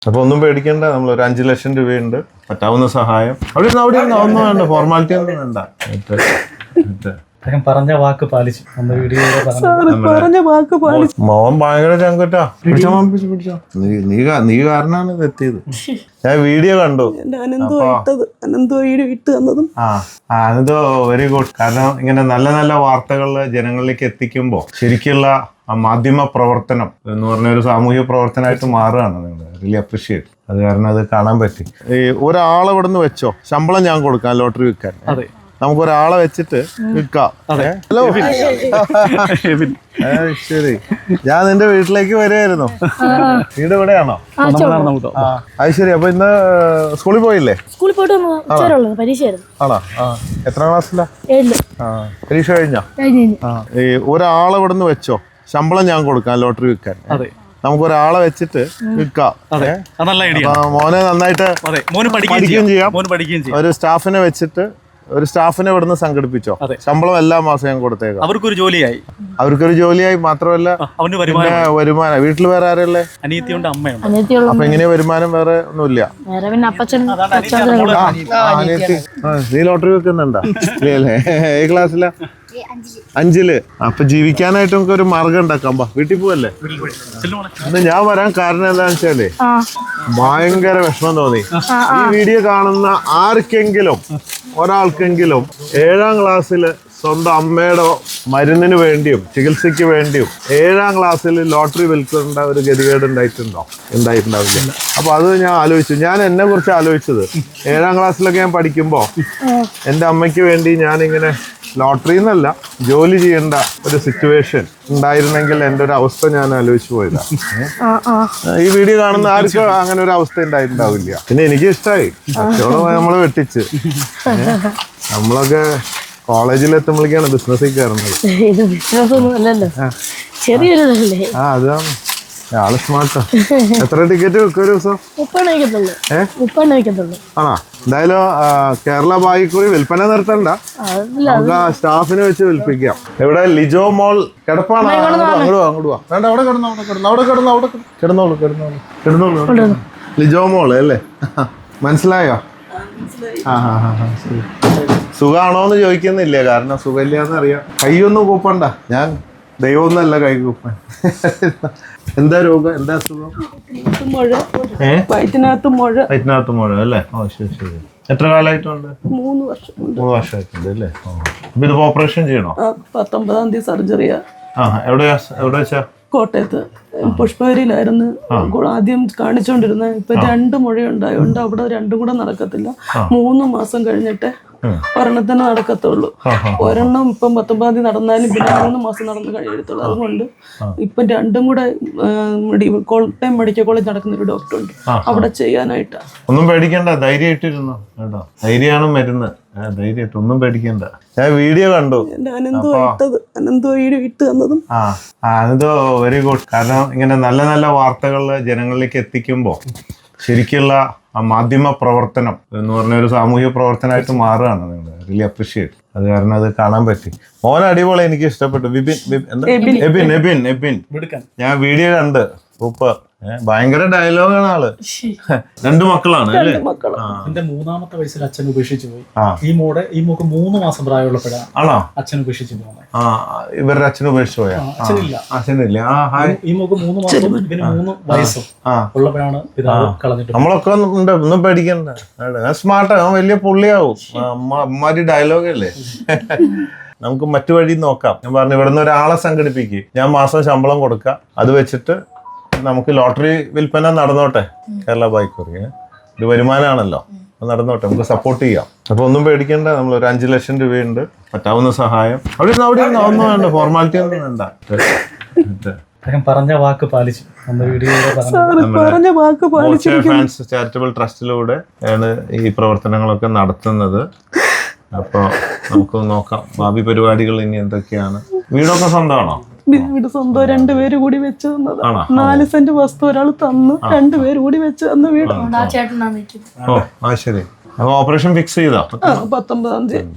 അപ്പൊ ഒന്നും പേടിക്കണ്ട, നമ്മൾ ഒരു 5 ലക്ഷം രൂപയുണ്ട്, പറ്റാവുന്ന സഹായം. അവിടെ ഒന്നും വേണ്ട, ഫോർമാലിറ്റി ഒന്നും വേണ്ട. പറഞ്ഞ വാക്ക് പാലിച്ചു. മോൻ ഭയങ്കര ചങ്കുറ്റാ. പിടിച്ചോ. നീ കാരണമാണ് ഇത് എത്തിയത്. ഞാൻ വീഡിയോ കണ്ടു. അനന്തോ വെരി ഗുഡ്. കാരണം ഇങ്ങനെ നല്ല നല്ല വാർത്തകൾ ജനങ്ങളിലേക്ക് എത്തിക്കുമ്പോൾ ശരിക്കുള്ള മാധ്യമ പ്രവർത്തനം എന്ന് പറഞ്ഞ ഒരു സാമൂഹിക പ്രവർത്തനമായിട്ട് മാറുകയാണ്. നിങ്ങൾ റിയലി അപ്രീഷിയേറ്റ്. അത് കാരണം അത് കാണാൻ പറ്റി. ഈ ഒരാളെ ഇവിടെ നിന്ന് വെച്ചോ, ശമ്പളം ഞാൻ കൊടുക്കാം ലോട്ടറി വിൽക്കാൻ. നമുക്ക് ഒരാളെ വെച്ചിട്ട് വിൽക്കാം. ഹലോ, ശരി. ഞാൻ നിന്റെ വീട്ടിലേക്ക് വരുമായിരുന്നു. വീട് ഇവിടെയാണോ? അത് ശരി. അപ്പൊ ഇന്ന് സ്കൂളിൽ പോയില്ലേ? ആണോ? എത്രാം ക്ലാസ്സിലാ? പരീക്ഷ കഴിഞ്ഞോ? ഈ ഒരാളെ ഇവിടെ നിന്ന് വെച്ചോ, ശമ്പളം ഞാൻ കൊടുക്കാം ലോട്ടറി വിൽക്കാൻ. നമുക്ക് ഒരാളെ വെച്ചിട്ട് വിൽക്കാം. മോനെ നന്നായിട്ട് പഠിക്കുകയും ചെയ്യാം. ഒരു സ്റ്റാഫിനെ വെച്ചിട്ട് ഒരു സ്റ്റാഫിനെ ഇവിടുന്ന് സംഘടിപ്പിച്ചോ, ശമ്പളം എല്ലാ മാസം ഞാൻ കൊടുത്തേക്കാം. അവർക്കൊരു ജോലിയായി മാത്രമല്ല വരുമാനം. വീട്ടിൽ വേറെ ആരല്ലേ? അനിയത്തിയുണ്ട്, അമ്മയുണ്ട്. അപ്പൊ എങ്ങനെയാ വരുമാനം? വേറെ ഒന്നുമില്ല. നീ ലോട്ടറി വെക്കുന്നുണ്ടോ? ഇല്ലേ? ഏ ക്ലാസ്സിലാ? 5ല്. അപ്പൊ ജീവിക്കാനായിട്ട് നമുക്ക് ഒരു മാർഗം ഉണ്ടാക്കാം. വീട്ടിൽ പോവല്ലേ? ഇന്ന് ഞാൻ വരാൻ കാരണം എന്താന്ന് വെച്ചാലേ ഭയങ്കര വിഷമം തോന്നി. ഈ വീഡിയോ കാണുന്ന ആർക്കെങ്കിലും ഒരാൾക്കെങ്കിലും 7ാം ക്ലാസ്സിൽ സ്വന്തം അമ്മയുടെ മരുന്നിന് വേണ്ടിയും ചികിത്സയ്ക്ക് വേണ്ടിയും 7ാം ക്ലാസ്സിൽ ലോട്ടറി വിൽക്കേണ്ട ഒരു ഗതികേട് ഉണ്ടായിട്ടുണ്ടാവില്ല. അപ്പൊ അത് ഞാൻ ആലോചിച്ചു. ഞാൻ എന്നെ കുറിച്ച് ആലോചിച്ചത് 7ാം ക്ലാസ്സിലൊക്കെ ഞാൻ പഠിക്കുമ്പോ എൻ്റെ അമ്മയ്ക്ക് വേണ്ടി ഞാനിങ്ങനെ ലോട്ടറി എന്നല്ല, ജോലി ചെയ്യേണ്ട ഒരു സിറ്റുവേഷൻ ഉണ്ടായിരുന്നെങ്കിൽ എൻ്റെ ഒരു അവസ്ഥ ഞാൻ ആലോചിച്ചു പോയതാ. ഈ വീഡിയോ കാണുന്ന ആർക്കും അങ്ങനെ ഒരു അവസ്ഥ ഉണ്ടായിട്ടുണ്ടാവില്ല. പിന്നെ എനിക്ക് ഇഷ്ടമായി. കച്ചവടം നമ്മള് വെട്ടിച്ച്. നമ്മളൊക്കെ കോളേജിൽ എത്തുമ്പോഴേക്കാണ് ബിസിനസ്സിൽ കയറുന്നത്. അതാണ് ആള് സ്മാർട്ടാ. എത്ര ടിക്കറ്റ് വെക്കും ഒരു ദിവസം? 30 ആണോ? എന്തായാലും കേരള ബായിക്കൂടി വിൽപ്പന നിർത്തണ്ട, നമുക്ക് ആ സ്റ്റാഫിനെ വെച്ച് വിൽപ്പിക്കാം. ഇവിടെ ലിജോ മോൾ കിടപ്പാണ്. അങ്ങോട്ട് വാ. വേണ്ട, അവിടെ കിടന്നോളൂ. ലിജോ മോള് അല്ലേ? മനസ്സിലായോ? ശരി. സുഖാണോന്ന് ചോദിക്കുന്നില്ല, കാരണം സുഖമില്ലാന്ന് അറിയാം. കൈയൊന്നും കൂപ്പണ്ട. ഞാൻ ദൈവമൊന്നല്ല കൈ കൂപ്പാൻ. എന്താ രോഗം? എന്താ അസുഖം? വയറ്റിനകത്ത് മുഴ അല്ലേ? ഓ ശരി. എത്ര കാലമായിട്ടുണ്ട്? 3 വർഷമായിട്ടുണ്ട് അല്ലേ? അപ്പൊ ഇത് ഓപ്പറേഷൻ ചെയ്യണോ? 19-ാം തീയതി സർജറിയാ. എവിടെ വെച്ചാ? കോട്ടയത്ത് പുഷ്പഗിരിയിലായിരുന്നു ആദ്യം കാണിച്ചോണ്ടിരുന്നത്. ഇപ്പൊ 2 മുഴയുണ്ടായോണ്ട് അവിടെ 2 കൂടെ നടക്കത്തില്ല. 3 മാസം കഴിഞ്ഞിട്ട് ഒരെണ്ണത്തിന് നടക്കത്തുള്ളൂ. ഒരെണ്ണം ഇപ്പം 19-ാം തീയതി നടന്നാലും പിന്നെ 3 മാസം നടന്ന് കഴിയത്തുള്ളൂ. അതുകൊണ്ട് ഇപ്പം 2 കൂടെ കോട്ടയം മെഡിക്കൽ കോളേജ് നടക്കുന്ന ഒരു ഡോക്ടർ ഉണ്ട്, അവിടെ ചെയ്യാനായിട്ടാ. ഒന്നും പേടിക്കണ്ട, ധൈര്യമായിട്ടിരുന്നു കേട്ടോ. ധൈര്യമാണ് മരുന്ന്. ധൈര്യമായിട്ട് ഒന്നും പേടിക്കണ്ട. ഞാൻ വീഡിയോ കണ്ടു. അനന്തോ ഇട്ട് തന്നതും അനന്തോ വെരി ഗുഡ്. കാരണം ഇങ്ങനെ നല്ല നല്ല വാർത്തകൾ ജനങ്ങളിലേക്ക് എത്തിക്കുമ്പോൾ ശരിക്കുള്ള മാധ്യമ പ്രവർത്തനം എന്ന് പറഞ്ഞ ഒരു സാമൂഹിക പ്രവർത്തനമായിട്ട് മാറുകയാണ്. നിങ്ങൾ റിയലി അപ്രീഷിയേറ്റ്. അത് കാരണം അത് കാണാൻ പറ്റി. മോൻ അടിപൊളി, എനിക്ക് ഇഷ്ടപ്പെട്ടു. എബിൻ ഞാൻ വീഡിയോ കണ്ട്. സൂപ്പർ. ഭയങ്കര ഡയലോഗാണ് ആള്. 2 മക്കളാണ് അല്ലേ? എന്റെ 3ാമത്തെ വയസ്സിൽ അച്ഛൻ ഉപേക്ഷിച്ചു പോയി. ഈ മോക്ക് 3 മാസം പ്രായമുള്ളപ്പോഴാണ് ആണോ അച്ഛൻ ഉപേക്ഷിച്ചു പോകുന്നത്. ഇവരുടെ അച്ഛൻ ഉപേക്ഷിച്ചു പോയാ? അച്ഛനില്ല. ഈ മോക്ക് 3 മാസം പിന്നെ 3 വയസ്സും ഉള്ളപ്പോഴാണ് പിതാവ് കളഞ്ഞിട്ട്. നമ്മളൊക്കെ ഉണ്ട്, ഒന്നും പേടിക്കണ്ട. സ്മാർട്ടാ, വലിയ പുള്ളിയാവും. അമ്മാരി ഡയലോഗല്ലേ. നമുക്ക് മറ്റു വഴി നോക്കാം. ഞാൻ പറഞ്ഞു, ഇവിടുന്ന് ഒരാളെ സംഘടിപ്പിക്കുക, ഞാൻ മാസം ശമ്പളം കൊടുക്കാം, അത് വെച്ചിട്ട് നമുക്ക് ലോട്ടറി വിൽപ്പന നടന്നോട്ടെ. കേരള ബായിക്കൂറി ഒരു വരുമാനമാണല്ലോ, നടന്നോട്ടെ, നമുക്ക് സപ്പോർട്ട് ചെയ്യാം. അപ്പൊ ഒന്നും പേടിക്കണ്ട, നമ്മൾ ഒരു 5 ലക്ഷം രൂപയുണ്ട്, പറ്റാവുന്ന സഹായം. അവിടെ ഒന്നും വേണ്ട, ഫോർമാലിറ്റി ഒന്നും വേണ്ട. പറഞ്ഞ വാക്ക് പാലിച്ചു. ഫാൻസ് ചാരിറ്റബിൾ ട്രസ്റ്റിലൂടെ ആണ് ഈ പ്രവർത്തനങ്ങളൊക്കെ നടത്തുന്നത്. അപ്പോൾ നമുക്ക് നോക്കാം ഭാവി പരിപാടികൾ ഇനി എന്തൊക്കെയാണ്. വീടൊക്കെ സ്വന്തമാണോ? വീട് സ്വന്തം. 2 പേര് കൂടി വെച്ച് തന്നത്. 4 സെന്റ് വസ്തു ഒരാൾ തന്നു, 2 പേര് കൂടി വെച്ച് തന്ന വീട്. ഓ ശരി. അപ്പൊ ഓപ്പറേഷൻ ഫിക്സ് ചെയ്തോ? 19-ാം തീയതി.